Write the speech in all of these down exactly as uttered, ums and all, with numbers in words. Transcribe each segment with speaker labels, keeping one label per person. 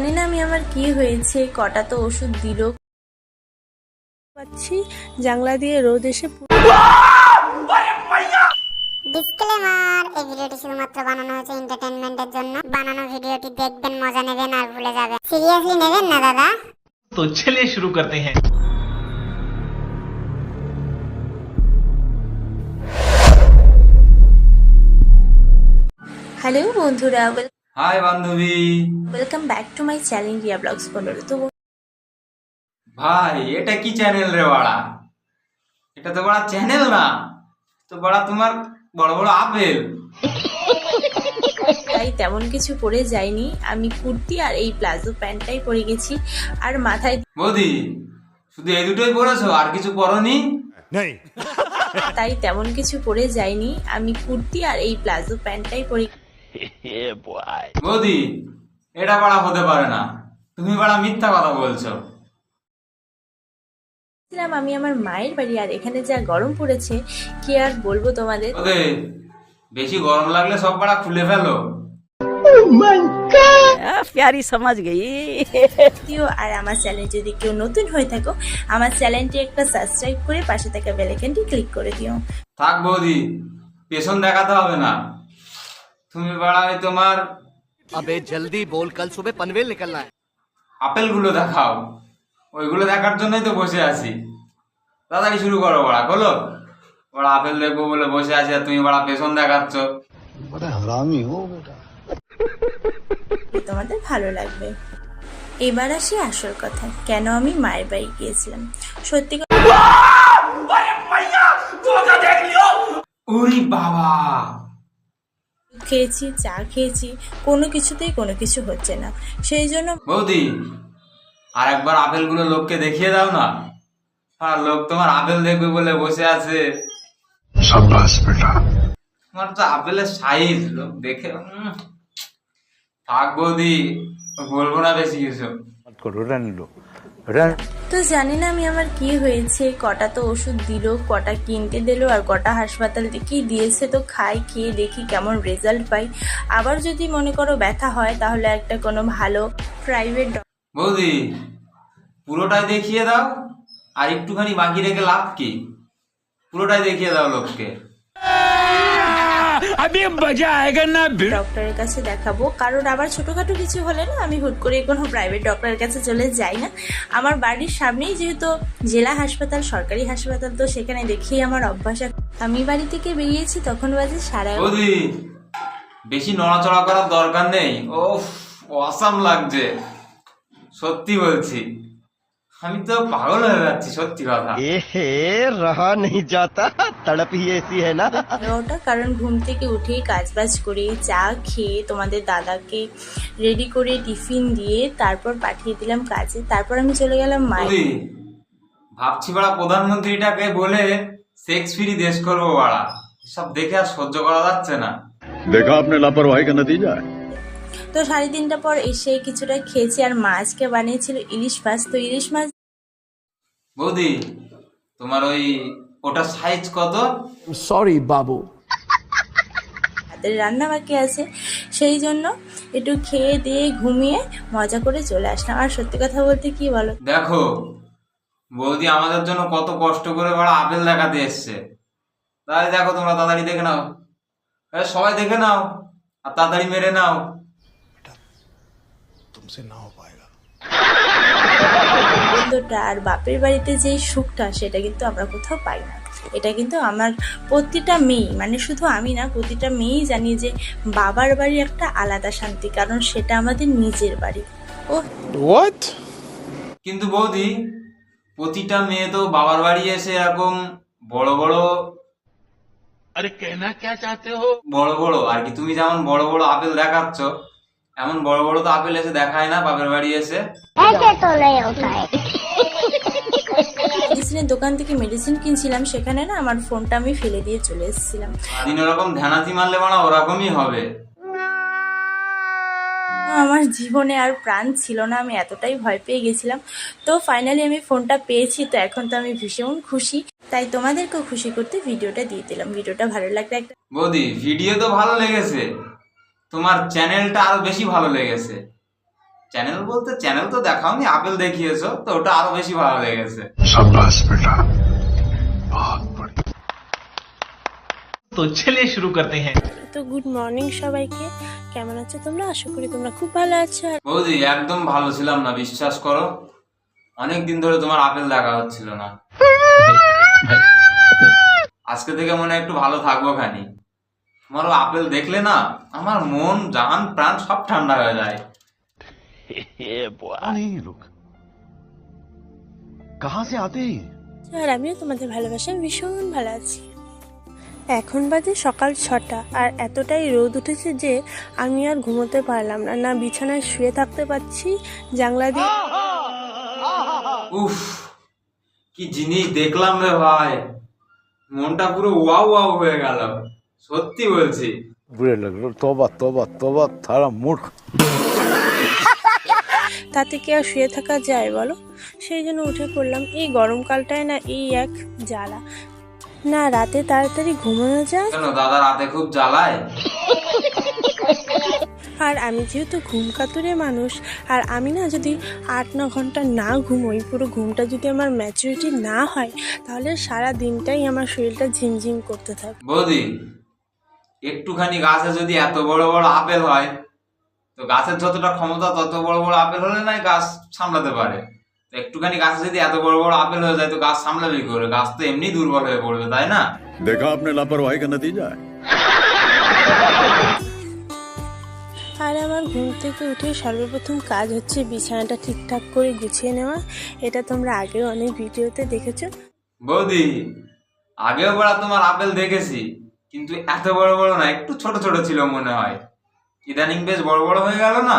Speaker 1: জানি না আমি আমার কি হয়েছে, কটা তো ওষুধ দিল।
Speaker 2: পাচ্ছি জানলা দিয়ে রোদ এসে
Speaker 3: ডিসক্লেমার, এই ভিডিওটি শুধুমাত্র বানানো হয়েছে এন্টারটেইনমেন্টের জন্য। বানানো ভিডিওটি দেখবেন, মজা নেবেন আর ভুলে যাবেন। সিরিয়াসলি নেবেন না দাদা।
Speaker 4: तो चलिए शुरू करते हैं।
Speaker 1: হ্যালো বন্ধুরা,
Speaker 5: হাই বান্ধবী,
Speaker 1: welcome back to my channel Riya blogs পনেরো। তো
Speaker 5: ভাই এটা কি চ্যানেল রে বাড়া? এটা তো বড় চ্যানেল না, তো বড় তোমার বড় বড় আপেল।
Speaker 1: তাই তেমন কিছু পরে যাইনি, আমি কুর্তি আর এই প্লাজো প্যান্টটাই পরে গেছি আর মাথায়।
Speaker 5: বৌদি শুধু এই দুটোই পরেছো, আর কিছু পরনি?
Speaker 1: তাই তেমন কিছু পরে যাইনি, আমি কুর্তি আর এই প্লাজো প্যান্টটাই পরে।
Speaker 5: বৌদি এটা বড় হতে পারে না, তুমি বড় মিথ্যা কথা বলছো।
Speaker 1: আমি আমার মায়ের বাড়ি, আর এখানে যা গরম পড়েছে কি আর বলবো তোমাদের।
Speaker 5: ওকে, বেশি গরম লাগলে সব বড় খুলে ফেলো।
Speaker 2: প্যারি সমাজ গেই।
Speaker 1: আর আমার চ্যানেল যদি কেউ নতুন হয়ে থাকো, আমার চ্যানেলটি একটা সাবস্ক্রাইব করে পাশে থাকা বেল আইকনটি ক্লিক করে দিও।
Speaker 5: থাক বৌদি, পেছন দেখাতে হবে না। তুমি বড় ওই তোমার
Speaker 6: अबे जल्दी बोल, कल सुबह पनवेल निकलना है।
Speaker 5: আপেল গুলো দেখাও, ওইগুলো দেখার জন্যই তো বসে আছি। তাড়াতাড়ি শুরু করো বড়া, বলো বড় আপেল দেখবো বলে বসে আছি, আর তুমি বড় পেছন দেখাচ্ছ।
Speaker 1: তোমাদের ভালো লাগবে। এবার আসি আসল কথা, কেন আমি মায়ের বাড়ি গিয়েছিলাম। সত্যি কথা,
Speaker 5: ওরে বাবা,
Speaker 1: খেয়েছি, চা খেয়েছি, কোনো কিছুতেই কোনো কিছু হচ্ছে না। সেই জন্য
Speaker 5: বৌদি আর একবার আপেল গুলো লোককে দেখিয়ে দাও না। আর লোক তোমার আপেল দেখবে বলে বসে আছে। তোমার তো আপেলের সাইজ লোক দেখে উম, থাক বৌদি, বলবো না বেশি কিছু।
Speaker 1: তো জানি না আমি আমার কি হয়েছে, কটা তো ওষুধ দিল, কটা কিনতে দিল, আর কটা হাসপাতাল থেকেই দিয়েছে। তো খাই, খেয়ে দেখি কেমন রেজাল্ট পাই। আবার যদি মনে করো ব্যথা হয়, তাহলে একটা কোনো ভালো প্রাইভেট।
Speaker 5: বৌদি পুরোটাই দেখিয়ে দাও, আর একটুখানি বাকি রেখে লাভ কি? পুরোটাই দেখিয়ে দাও লোককে।
Speaker 1: ডক্টরের কাছে দেখাবো, কারণ আবার ছোটখাটো কিছু হলে না আমি হুট করে কোনো প্রাইভেট ডক্টরের কাছে চলে যাই না। আমার বাড়ির সামনেই যেহেতু জেলা হাসপাতাল, সরকারি হাসপাতাল, তো সেখানে দেখিয়ে আমার অভ্যাস। আমি বাড়ি থেকে বেরিয়েছি তখন বাজে সাড়ে।
Speaker 5: বৌদি বেশি নড়াচড়া করার দরকার নেই। ও অসাম লাগছে, সত্যি বলছি, আমি তো পাগল হয়ে যাচ্ছি, সত্যি কথা।
Speaker 6: एहे रहा नहीं जाता, तड़प ही ऐसी है ना।
Speaker 1: ওটা কারণ ঘুম থেকে উঠে কাজ বাজ করে চা খেয়ে তোমাদের দাদাকে রেডি করে টিফিন দিয়ে তারপর পাঠিয়ে দিলাম কাজে। তারপর আমি চলে গেলাম মায়ের।
Speaker 5: বৌদি ভাবছি বাড়া প্রধানমন্ত্রীটাকে বলে সেক্স ফ্রি দেশ করবো বাড়া, সব দেখে আর সহ্য করা যাচ্ছে না।
Speaker 7: देखा आपने लापरवाही का नतीजा है।
Speaker 1: তো সাড়ে তিনটা পর এসে কিছুটা খেয়েছি, আর মা আজকে বানিয়েছিল ইলিশ মাছ। তো ইলিশ মাছ।
Speaker 5: বৌদি তোমার ওই ওটা সাইজ কত?
Speaker 6: सॉरी बाबू।
Speaker 1: হাতের রান্না বাকি আছে, সেই জন্য একটু খেয়ে দিয়ে ঘুমিয়ে মজা করে চলে আসলাম। আর সত্যি কথা বলতে কি বলো,
Speaker 5: দেখো বৌদি আমাদের জন্য কত কষ্ট করে বাড়া আপেল দেখাতে এসছে। তাহলে দেখো তোমরা তাড়াতাড়ি দেখে নাও, এ, সবাই দেখে নাও আর তাড়াতাড়ি মেরে নাও।
Speaker 1: আনন্দটা আর বাপের বাড়িতে যে সুখটা, সেটা কিন্তু আমরা কোথাও পাই না। এটা কিন্তু আমার প্রতিটা মেয়ে, মানে শুধু আমি না, প্রতিটা মেয়েই জানি যে বাবার বাড়ি একটা আলাদা শান্তি, কারণ সেটা আমাদের নিজের বাড়ি। ও
Speaker 5: কিন্তু বৌদি প্রতিটা মেয়ে তো বাবার বাড়ি এসে এরকম বড় বড়,
Speaker 4: अरे कहना क्या चाहते हो?
Speaker 5: বড় বড় আর কি, তুমি যেমন বড় বড় আপেল দেখাচ্ছ, এমন বড় বড় তো আপেল এসে দেখায় না বাপের বাড়ি এসে।
Speaker 1: মেডিসিনের দোকান থেকে মেডিসিন কিনছিলাম, সেখানে না আমার ফোনটা আমি ফেলে দিয়ে চলে এসেছিলাম।
Speaker 5: দিন ওরকম ধ্যানাতি মারলে মানে ওরকমই হবে।
Speaker 1: আমার জীবনে আর প্রাণ ছিল না, আমি এতটাই ভয় পেয়ে গেছিলাম। তো ফাইনালি আমি ফোনটা পেয়েছি, তো এখন তো আমি ভীষণ খুশি। তাই তোমাদেরকেও খুশি করতে ভিডিওটা দিয়ে দিলাম। ভিডিওটা ভালো লাগলে একটা।
Speaker 5: বৌদি ভিডিও তো ভালো লেগেছে, তোমার চ্যানেলটা আরো বেশি ভালো লেগেছে। চ্যানেল বলতে চ্যানেল তো দেখাওনি, আপেল দেখিয়েছো, তো ওটা আরো বেশি ভালো লেগেছে।
Speaker 4: तो चलिए शुरू करते हैं।
Speaker 2: তো গুড মর্নিং সবাইকে, কেমন আছো তোমরা? আশা করি তোমরা খুব ভালো আছো। আর
Speaker 5: বৌদি একদম ভালো ছিলাম না, বিশ্বাস করো। অনেক দিন ধরে তোমার আপেল দেখা হচ্ছিল না। আজকে থেকে মনে হয় একটু ভালো থাকবো খানি। তোমার আপেল দেখলে না আমার মন জান প্রাণ সব ঠান্ডা হয়ে যায়।
Speaker 6: कौन है ये लोग? कहाँ से आते हैं?
Speaker 2: আর আমিও তোমাদের ভালোবাসায় ভীষণ ভালো আছি। এখন বাজে সকাল ছটা, আর এতটাই রোদ উঠেছে যে আমি আর ঘুমোতে পারলাম না, না বিছানায় শুয়ে থাকতে পারছি। জানলা দিয়ে
Speaker 5: উফ, কি জিনিস দেখলাম রে ভাই, মনটা পুরো ওয়াও ওয়াও হয়ে গেল, সত্যি বলছি।
Speaker 8: बुरे लग रहे हो। तौबा तौबा तौबा, थारा मूड।
Speaker 2: তাতে কি আর শুয়ে থাকা যায় বলো? সেই জন্য উঠে পড়লাম। এই গরমকালটায় না এই এক জ্বালা, না রাতে তাড়াতাড়ি ঘুমানো যায়,
Speaker 5: কেন দাদা রাতে খুব জ্বালায়?
Speaker 2: আর আমি যেহেতু ঘুম কাতুরে মানুষ, আর আমি না যদি আট ন ঘন্টা না ঘুমোই, পুরো ঘুমটা যদি আমার ম্যাচুরিটি না হয়, তাহলে সারা দিনটাই আমার শরীরটা ঝিমঝিম করতে থাকে।
Speaker 5: বৌদি একটুখানি গাছে যদি এত বড় বড় আপেল হয়, তো গাছের যতটা ক্ষমতা তত বড় বড় আপেল হলে নাই গাছ সামলাতে পারে। তো একটুখানি গাছে যদি এত বড় বড় আপেল হয়ে যায়, তো গাছ সামলাবে কি করে? গাছ তো এমনি দুর্বল হয়ে পড়বে, তাই না?
Speaker 7: देखा आपने लापरवाही का नतीजा है।
Speaker 2: আর আমার ঘুম থেকে উঠে সর্বপ্রথম কাজ হচ্ছে বিছানাটা ঠিকঠাক করে গুছিয়ে নেওয়া। এটা তোমরা আগেও অনেক ভিডিওতে দেখেছো।
Speaker 5: বৌদি আগেও বড় তোমার আপেল দেখেছি, কিন্তু এত বড় বড় না, একটু ছোট ছোট ছিল মনে হয়। ইদানিং বেশ বড় বড় হয়ে গেল না?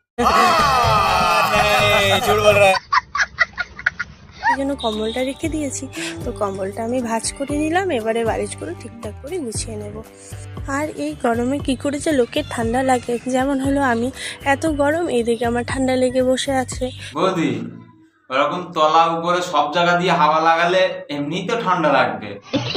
Speaker 2: এই জন্য কম্বলটা রেখে দিয়েছি, তো কম্বলটা আমি ভাঁজ করে নিলাম। এবারে বালিশ করে ঠিকঠাক করে গুছিয়ে নেব। আর এই গরমে কি করে যে লোকের ঠান্ডা লাগে, যেমন হলো আমি এত গরম, এদিকে আমার ঠান্ডা লেগে বসে আছে।
Speaker 5: বৌদি ওরকম তলা উপরে সব জায়গা দিয়ে হাওয়া লাগালে এমনিই তো ঠান্ডা লাগবে।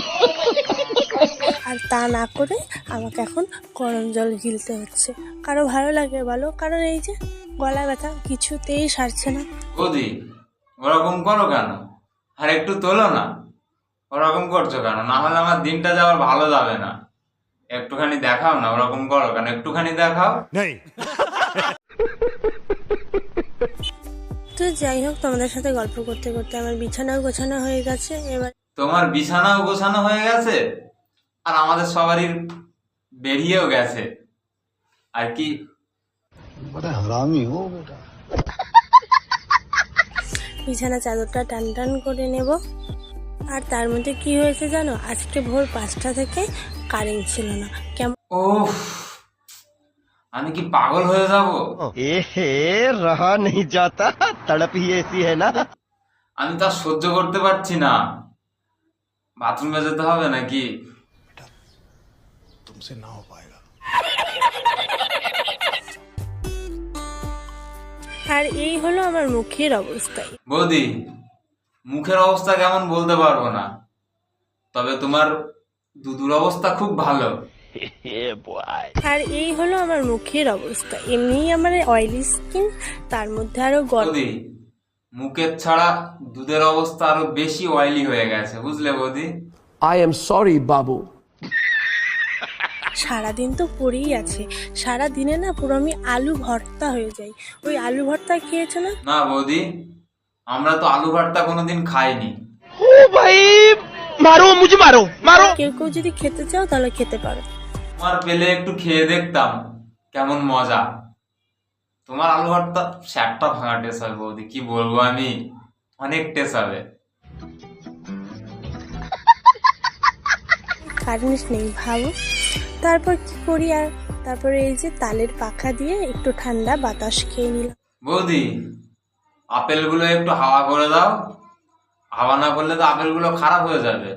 Speaker 2: আর তা না করে আমাকে এখন গরম জল গিলতে হচ্ছে। কারো ভালো লাগে বলো? কারণ এই যে গলা ব্যথা কিছুতেই সারছে না।
Speaker 5: বৌদি ওরকম করো কেন? আর একটু তোলো না, ওরকম করছো কেন? না হলে আমার দিনটা যাওয়ার ভালো যাবে না। একটুখানি দেখাও না, ওরকম করো কেন? একটুখানি দেখাও।
Speaker 2: তো যাই হোক, তোমাদের সাথে গল্প করতে করতে আমার বিছানাও গোছানো হয়ে গেছে। এবার
Speaker 5: তোমার বিছানাও গোছানো হয়ে গেছে, আর আমাদের সবারই বেরিয়েও গেছে। আর কি
Speaker 8: बड़ा हरामी हो बेटा।
Speaker 2: বিছানা চাদরটা টান টান করে নেব। আর তার মধ্যে কি হয়েছে জানো? আজকে ভোর পাঁচটা থেকে কারেন্ট ছিল না। কেমন
Speaker 5: ওহ, আমি কি পাগল হয়ে যাব?
Speaker 6: ए रहा नहीं जाता, तड़प ही ऐसी है ना।
Speaker 5: আমি তা সহ্য করতে পারছি না। বাথরুমে যেতে হবে নাকি?
Speaker 8: तुमसे ना हो पाएगा।
Speaker 2: আর এই হলো আমার মুখের অবস্থা।
Speaker 5: বৌদি মুখের অবস্থা কেমন বলতে পারবো না, তবে তোমার দুধুর অবস্থা খুব ভালো।
Speaker 2: আর এই হলো আমার মুখের অবস্থা। এমনিই আমার অয়েলি স্কিন, তার মধ্যে আরো গরম।
Speaker 5: বৌদি মুখের ছাড়া দুধের অবস্থা আরো বেশি অয়েলি হয়ে গেছে, বুঝলে বৌদি?
Speaker 9: I am sorry, Babu.
Speaker 2: সারাদিন তো পড়েই আছে, সারা দিনে না পুরো আমি আলু ভর্তা হয়ে যাই। ওই আলু ভর্তা খেয়েছো না?
Speaker 5: না বৌদি, আমরা তো আলু ভর্তা কোনোদিন খাইনি।
Speaker 2: কেউ কেউ যদি খেতে চাও তাহলে খেতে পারো।
Speaker 5: তোমার পেলে একটু খেয়ে দেখতাম কেমন মজা। তোমার আলু ভর্তা স্যাকটা ভাঙা টেস্ট হবে বৌদি, কি বলবো আমি, অনেক টেস্ট হবে।
Speaker 2: কারেন্ট নেই ভাবো, তারপর কি করি? আর তারপরে এই যে তালের পাখা দিয়ে একটু ঠান্ডা বাতাস খেয়ে নিলাম।
Speaker 5: বৌদি আপেলগুলো একটু হাওয়া করে দাও, হাওয়া না করলে তো আপেলগুলো খারাপ হয়ে যাবে।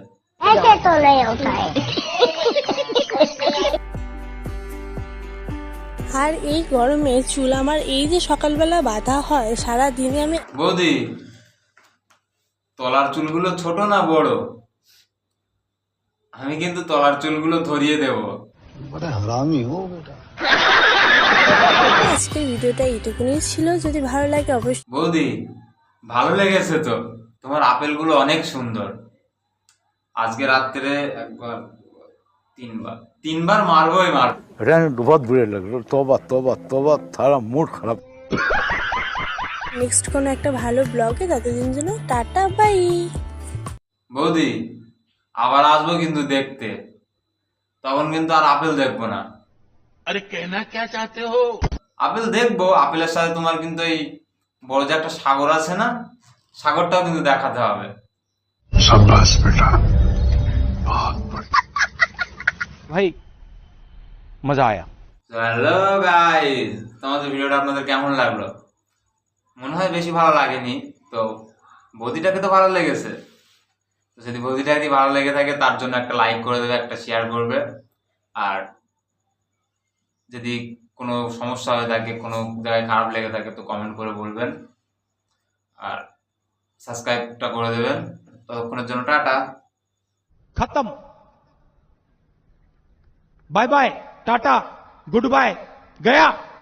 Speaker 2: আর এই গরমে চুল আমার এই যে সকালবেলা বাঁধা হয়, সারা দিনে আমি।
Speaker 5: বৌদি তলার চুলগুলো ছোট না বড়? আমি কিন্তু তলার চুলগুলো ধরিয়ে দেব।
Speaker 8: बड़ा हरामी हो बेटा।
Speaker 2: আজকের ভিডিওটা এইটুকুনি ছিল, যদি ভালো লাগে অবশ্যই
Speaker 5: বৌদি ভালো লেগেছে তো, তোমার আপেলগুলো অনেক সুন্দর। আজকে রাত্রে একবার তিনবার তিনবার মারবোই মারবো।
Speaker 8: रहने दो, बहुत बुरे लग रहे। तौबा तौबा तौबा, थारा मूड खराब।
Speaker 2: নেক্সট কোনো একটা ভালো ব্লগে, ততদিন জন্য টাটা বাই।
Speaker 5: বৌদি আবার আসবো কিন্তু দেখতে, তখন কিন্তু আর আপেল দেখবো না।
Speaker 4: अरे कहना क्या चाहते हो?
Speaker 5: আপেল দেখবো, আপেলের সাথে তোমার কিন্তু এই বড় যে একটা সাগর আছে না, সাগরটাও কিন্তু দেখাতে হবে।
Speaker 8: शाबाश बेटा, बहुत बढ़िया।
Speaker 6: भाई मजा आया।
Speaker 5: হ্যালো গাইস, তোমাদের ভিডিওটা আপনাদের কেমন লাগলো? মনে হয় বেশি ভালো লাগেনি তো, বৌদিটাকে তো ভালো লেগেছে। তো যদি বৌদিটাকে ভালো লেগে থাকে তার জন্য একটা লাইক করে দেবে, একটা শেয়ার করবে। আর যদি কোনো সমস্যা হয়ে থাকে, কোনো জায়গায় খারাপ লেগে থাকে তো কমেন্ট করে বলবেন। আর সাবস্ক্রাইবটা করে দেবেন। ততক্ষণের জন্য টাটা।
Speaker 6: खत्म। बाय बाय, टाटा, गुड बाय, गया।